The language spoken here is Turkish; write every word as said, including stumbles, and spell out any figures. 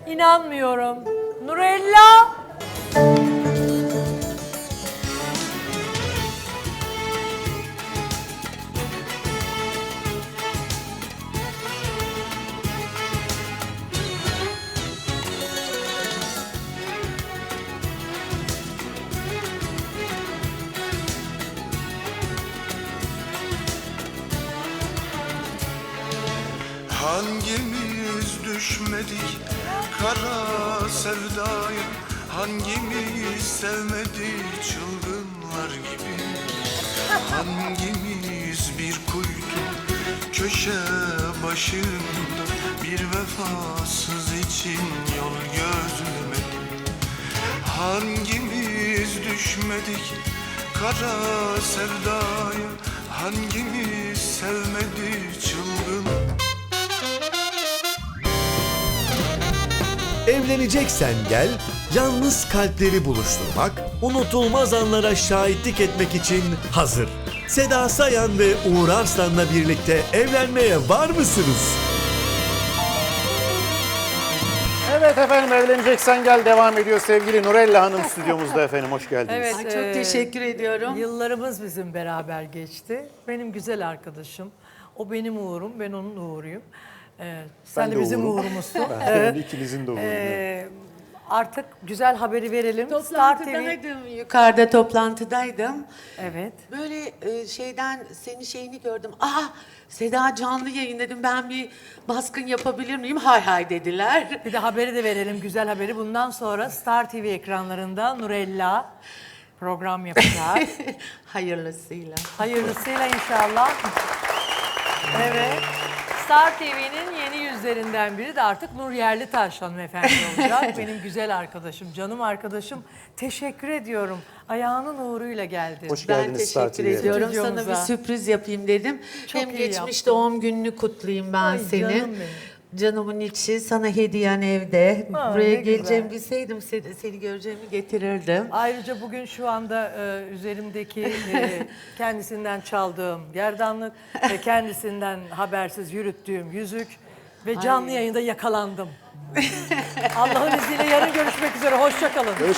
İnanmıyorum. Nurella. Hangimiz düşmedik kara sevdaya, hangimiz sevmedik çılgınlar gibi, hangimiz bir kuytu köşe başında bir vefasız için yol gözlemedik, hangimiz düşmedik kara sevdaya, hangimiz sevmedik çılgın. Evleneceksen gel, yalnız kalpleri buluşturmak, unutulmaz anlara şahitlik etmek için hazır. Seda Sayan ve Uğur Arslan'la birlikte evlenmeye var mısınız? Evet efendim, Evleneceksen Gel devam ediyor. Sevgili Nurella Hanım stüdyomuzda efendim, hoş geldiniz. Evet. Ay, çok e, teşekkür ediyorum. Yıllarımız bizim beraber geçti. Benim güzel arkadaşım. O benim Uğur'um, ben onun Uğur'uyum. Ee, sen Ben de de bizim Uğur'um. Uğur'umuzsun. Ben Evet. ikinizin de Uğur'u. Ee, artık güzel haberi verelim. Star T V. Toplantıdaydım, yukarıda toplantıdaydım. Evet. Böyle e, şeyden senin şeyini gördüm. Aa, Seda canlı yayın dedim, ben bir baskın yapabilir miyim? Hay hay dediler. Bir de haberi de verelim, güzel haberi. Bundan sonra Star T V ekranlarında Nurella program yapacak. Hayırlısıyla. Hayırlısıyla inşallah. Evet. Star T V'nin yeni yüzlerinden biri de artık Nur Yerlitaş hanımefendi olacak. Benim güzel arkadaşım, canım arkadaşım. Teşekkür ediyorum. Ayağının uğruyla geldi. Hoş Ben geldiniz Star teşekkür T V'ye. ediyorum. Sana Stüdyomuza. bir sürpriz yapayım dedim. Çok Hem iyi geçmiş yaptın. doğum gününü kutlayayım ben Ay, senin. canım benim. Canımın içi, sana hediyen evde. Aa, Buraya ne geleceğimi güzel. bilseydim seni, seni göreceğimi getirirdim. Ayrıca bugün şu anda e, üzerimdeki e, kendisinden çaldığım gerdanlık ve kendisinden habersiz yürüttüğüm yüzük ve canlı yayında yakalandım. Allah'ın izniyle yarın görüşmek üzere. Hoşça kalın.